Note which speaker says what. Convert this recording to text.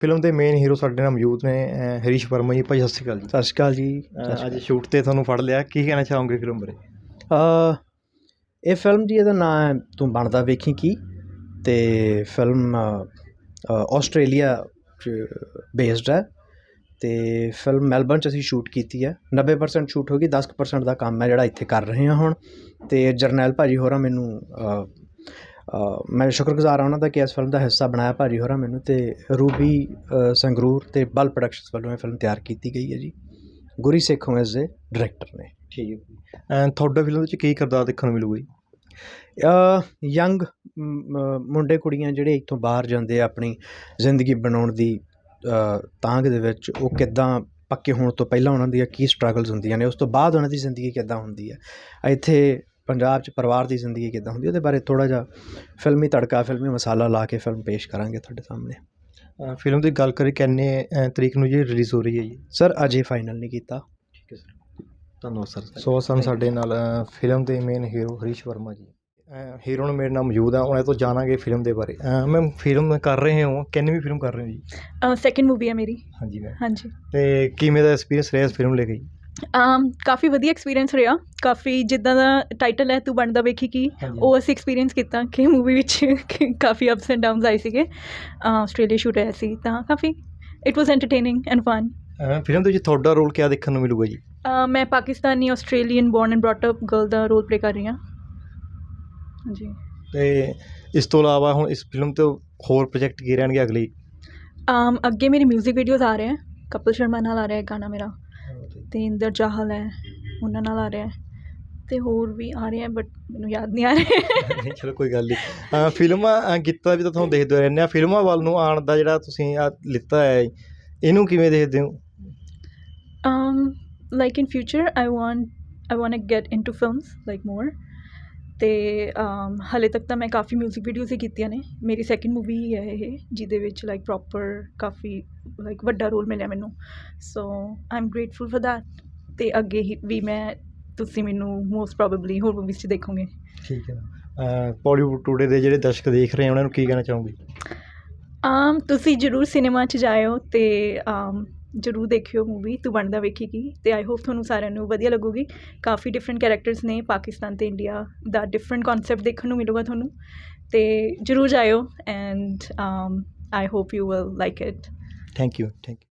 Speaker 1: Film ਦੇ main hero ਸਾਡੇ ਨਾਲ ਮੌਜੂਦ ਨੇ ਹਰੀਸ਼ ਵਰਮਾ ਜੀ। ਭਾਈ ਸਤਿ ਸ਼੍ਰੀ ਅਕਾਲ ਜੀ।
Speaker 2: ਸਤਿ ਸ਼੍ਰੀ ਅਕਾਲ ਜੀ।
Speaker 1: ਅੱਜ ਸ਼ੂਟ 'ਤੇ ਤੁਹਾਨੂੰ ਫੜ ਲਿਆ, ਕੀ ਕਹਿਣਾ ਚਾਹੋਗੇ ਫਿਲਮ ਬਾਰੇ?
Speaker 2: ਇਹ ਫਿਲਮ ਜੀ, ਇਹਦਾ ਨਾਂ ਹੈ ਤੂੰ ਬਣਦਾ ਵੇਖੀ ਕੀ, ਅਤੇ ਫਿਲਮ ਆਸਟ੍ਰੇਲੀਆ 'ਚ ਬੇਸਡ ਹੈ, ਅਤੇ ਫਿਲਮ ਮੈਲਬਰਨ 'ਚ ਅਸੀਂ ਸ਼ੂਟ ਕੀਤੀ ਹੈ। 90% ਸ਼ੂਟ ਹੋ ਗਈ, 10% ਦਾ ਕੰਮ ਹੈ ਜਿਹੜਾ ਇੱਥੇ ਕਰ ਰਹੇ ਹਾਂ ਹੁਣ। ਅਤੇ ਜਰਨੈਲ ਭਾਅ ਜੀ ਹੋਰਾਂ ਮੈਨੂੰ ਮੈਂ ਸ਼ੁਕਰਗੁਜ਼ਾਰ ਹਾਂ ਉਹਨਾਂ ਦਾ ਕਿ ਇਸ ਫਿਲਮ ਦਾ ਹਿੱਸਾ ਬਣਾਇਆ ਭਾਅ ਜੀ ਹੋਰਾਂ ਮੈਨੂੰ, ਅਤੇ ਰੂਬੀ ਸੰਗਰੂਰ ਅਤੇ ਬਲ ਪ੍ਰੋਡਕਸ਼ਨਸ ਵੱਲੋਂ ਇਹ ਫਿਲਮ ਤਿਆਰ ਕੀਤੀ ਗਈ ਹੈ ਜੀ। ਗੁਰੀ ਸੇਖੋਂ ਇਸ ਦੇ ਡਾਇਰੈਕਟਰ ਨੇ।
Speaker 1: ਠੀਕ ਹੈ। ਤੁਹਾਡਾ ਫਿਲਮ ਵਿੱਚ ਕੀ ਕਿਰਦਾਰ ਦੇਖਣ ਨੂੰ ਮਿਲੂਗਾ ਜੀ?
Speaker 2: ਯੰਗ ਮੁੰਡੇ ਕੁੜੀਆਂ ਜਿਹੜੇ ਇੱਥੋਂ ਬਾਹਰ ਜਾਂਦੇ ਆ ਆਪਣੀ ਜ਼ਿੰਦਗੀ ਬਣਾਉਣ ਦੀ ਤਾਂਘ ਦੇ ਵਿੱਚ, ਉਹ ਕਿੱਦਾਂ ਪੱਕੇ ਹੋਣ ਤੋਂ ਪਹਿਲਾਂ ਉਹਨਾਂ ਦੀਆਂ ਕੀ ਸਟਰਗਲਸ ਹੁੰਦੀਆਂ ਨੇ, ਉਸ ਤੋਂ ਬਾਅਦ ਉਹਨਾਂ ਦੀ ਜ਼ਿੰਦਗੀ ਕਿੱਦਾਂ ਹੁੰਦੀ ਹੈ, ਇੱਥੇ ਪੰਜਾਬ 'ਚ ਪਰਿਵਾਰ ਦੀ ਜ਼ਿੰਦਗੀ ਕਿੱਦਾਂ ਹੁੰਦੀ, ਉਹਦੇ ਬਾਰੇ ਥੋੜ੍ਹਾ ਜਿਹਾ ਫਿਲਮੀ ਤੜਕਾ, ਫਿਲਮੀ ਮਸਾਲਾ ਲਾ ਕੇ ਫਿਲਮ ਪੇਸ਼ ਕਰਾਂਗੇ ਤੁਹਾਡੇ ਸਾਹਮਣੇ।
Speaker 1: ਫਿਲਮ ਦੀ ਗੱਲ ਕਰੀਏ, ਕਿੰਨੇ ਤਰੀਕ ਨੂੰ ਜੀ ਰਿਲੀਜ਼ ਹੋ ਰਹੀ ਹੈ ਜੀ?
Speaker 2: ਸਰ ਅਜੇ ਫਾਈਨਲ ਨਹੀਂ ਕੀਤਾ।
Speaker 1: ਠੀਕ ਹੈ ਸਰ, ਧੰਨਵਾਦ ਸਰ। ਸੋ ਸਨ ਸਾਡੇ ਨਾਲ ਫਿਲਮ ਦੇ ਮੇਨ ਹੀਰੋ ਹਰੀਸ਼ ਵਰਮਾ ਜੀ। ਹੀਰੋ ਨੂੰ ਮੇਰੇ ਨਾਲ ਮੌਜੂਦ ਆ, ਉਹਨਾਂ ਤੋਂ ਜਾਣਾਂਗੇ ਫਿਲਮ ਦੇ ਬਾਰੇ। ਮੈਮ ਫਿਲਮ ਕਰ ਰਹੇ ਹੋ, ਕਿੰਨੀ ਵੀ ਫਿਲਮ ਕਰ ਰਹੇ ਹੋ ਜੀ?
Speaker 3: ਸੈਕਿੰਡ ਮੂਵੀ ਹੈ ਮੇਰੀ।
Speaker 1: ਹਾਂਜੀ ਮੈਮ।
Speaker 3: ਹਾਂਜੀ।
Speaker 1: ਅਤੇ ਕਿਵੇਂ ਦਾ ਐਕਸਪੀਰੀਅੰਸ ਰਿਹਾ ਇਸ ਫਿਲਮ ਲੈ ਕੇ ਜੀ?
Speaker 3: ਕਾਫੀ ਵਧੀਆ ਐਕਸਪੀਰੀਅੰਸ ਰਿਹਾ। ਕਾਫੀ ਜਿੱਦਾਂ ਦਾ ਟਾਈਟਲ ਹੈ ਤੂੰ ਬਣਦਾ ਵੇਖੀ ਕੀ, ਉਹ ਅਸੀਂ ਐਕਸਪੀਰੀਅੰਸ ਕੀਤਾ ਕਿ ਮੂਵੀ ਵਿੱਚ ਕਾਫੀ ਅਪਸ ਐਂਡ ਡਾਊਨਸ ਆਏ ਸੀਗੇ। ਆਸਟ੍ਰੇਲੀਆ ਸ਼ੂਟ ਹੋਇਆ ਸੀ, ਤਾਂ ਕਾਫੀ it was entertaining and fun.
Speaker 1: Film ਦੇ ਵਿੱਚ ਤੁਹਾਡਾ ਰੋਲ ਕਿਆ ਦੇਖਣ ਨੂੰ ਮਿਲੂਗਾ ਜੀ?
Speaker 3: ਮੈਂ Pakistani Australian born and brought up girl ਦਾ ਰੋਲ ਪਲੇ ਕਰ ਰਹੀ ਹਾਂ। ਹਾਂਜੀ।
Speaker 1: ਅਤੇ ਇਸ ਤੋਂ ਇਲਾਵਾ ਹੁਣ ਇਸ ਫਿਲਮ ਤੋਂ ਹੋਰ ਪ੍ਰੋਜੈਕਟ ਕੀ ਰਹਿਣਗੇ ਅਗਲੇ?
Speaker 3: ਅੱਗੇ ਮੇਰੀ ਮਿਊਜ਼ਿਕ ਵੀਡੀਓਜ਼ ਆ ਰਹੇ ਹੈ। ਕਪਿਲ ਸ਼ਰਮਾ ਨਾਲ ਆ ਰਿਹਾ ਗਾਣਾ ਮੇਰਾ, ਅਤੇ ਇੰਦਰ ਚਾਹਲ ਹੈ ਉਹਨਾਂ ਨਾਲ ਆ ਰਿਹਾ, ਅਤੇ ਹੋਰ ਵੀ ਆ ਰਹੇ ਹੈ ਬਟ ਮੈਨੂੰ ਯਾਦ ਨਹੀਂ ਆ ਰਹੇ।
Speaker 1: ਨਹੀਂ ਚਲੋ ਕੋਈ ਗੱਲ ਨਹੀਂ। ਫਿਲਮਾਂ ਗੀਤਾਂ ਵੀ ਤਾਂ ਤੁਹਾਨੂੰ ਦੇਖਦੇ ਰਹਿੰਦੇ ਆ, ਫਿਲਮਾਂ ਵੱਲ ਨੂੰ ਆਉਣ ਦਾ ਜਿਹੜਾ ਤੁਸੀਂ ਲਿੱਤਾ ਹੈ, ਇਹਨੂੰ ਕਿਵੇਂ ਦੇਖਦੇ ਹੋ?
Speaker 3: Like in future I want get into films like more. ਅਤੇ ਹਾਲੇ ਤੱਕ ਤਾਂ ਮੈਂ ਕਾਫੀ ਮਿਊਜ਼ਿਕ ਵੀਡੀਓਜ਼ ਹੀ ਕੀਤੀਆਂ ਨੇ। ਮੇਰੀ ਸੈਕਿੰਡ ਮੂਵੀ ਹੀ ਹੈ ਇਹ, ਜਿਹਦੇ ਵਿੱਚ ਲਾਈਕ ਪ੍ਰੋਪਰ ਕਾਫੀ ਲਾਈਕ ਵੱਡਾ ਰੋਲ ਮਿਲਿਆ ਮੈਨੂੰ। So I am grateful for that. ਅਤੇ ਅੱਗੇ ਹੀ ਵੀ ਤੁਸੀਂ ਮੈਨੂੰ ਮੋਸਟ ਪ੍ਰੋਬੇਬਲੀ ਹੋਰ ਮੂਵੀਜ਼ 'ਚ ਦੇਖੋਗੇ।
Speaker 1: ਠੀਕ ਹੈ। ਪੋਲੀਵੁੱਡ ਟੂਡੇ ਦੇ ਜਿਹੜੇ ਦਰਸ਼ਕ ਦੇਖ ਰਹੇ ਆ, ਉਹਨਾਂ ਨੂੰ ਕੀ ਕਹਿਣਾ ਚਾਹੋਗੇ?
Speaker 3: ਤੁਸੀਂ ਜ਼ਰੂਰ ਸਿਨੇਮਾ 'ਚ ਜਾਇਓ ਅਤੇ ਜ਼ਰੂਰ ਦੇਖਿਓ ਮੂਵੀ ਤੂੰ ਬਣਦਾ ਵੇਖੀ ਕੀ, ਅਤੇ ਆਈ ਹੋਪ ਤੁਹਾਨੂੰ ਸਾਰਿਆਂ ਨੂੰ ਵਧੀਆ ਲੱਗੂਗੀ। ਕਾਫੀ ਡਿਫਰੈਂਟ ਕੈਰੈਕਟਰਸ ਨੇ, ਪਾਕਿਸਤਾਨ ਅਤੇ ਇੰਡੀਆ ਦਾ ਡਿਫਰੈਂਟ ਕੌਨਸੈਪਟ ਦੇਖਣ ਨੂੰ ਮਿਲੂਗਾ ਤੁਹਾਨੂੰ, ਅਤੇ ਜ਼ਰੂਰ ਜਾਇਓ and I hope you will like it.
Speaker 1: Thank you.